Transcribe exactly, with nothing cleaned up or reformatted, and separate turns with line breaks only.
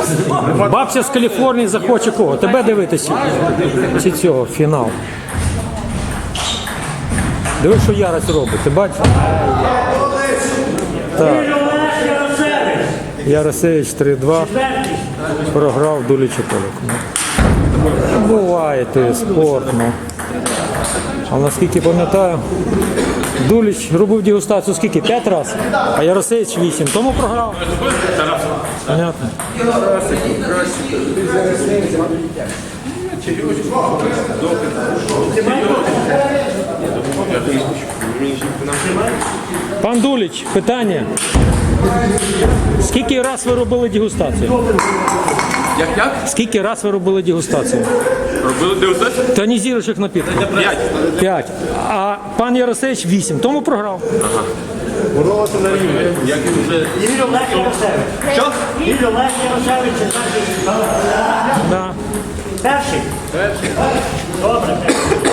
Бабця з Каліфорнії захоче кого? Тебе дивитися? Чи цього, фінал. Диви, що Ярос робить, ти бачиш? Так. Яросевич три-два. Програв Дулічу Толіку. Буває той спорт, ну. А наскільки пам'ятаю, Дуліч робив дегустацію скільки? П'ять разів, а Яросевич вісім. Тому програв. Понятно. Пан Дуліч, питання. Скільки раз ви робили дегустацію?
Як як?
Скільки раз ви робили дегустацію?
Робили дегустацію?
Тонізуючих напітків.
П'ять.
П'ять. А пан Яросевич вісім. Тому програв.
Ага. Боролися на рівні. Як і вже...
Ігор Олег Яросевич.
Що?
Ігор Олег Яросевич, це значить...
Да.
Перший? Перший. Добре.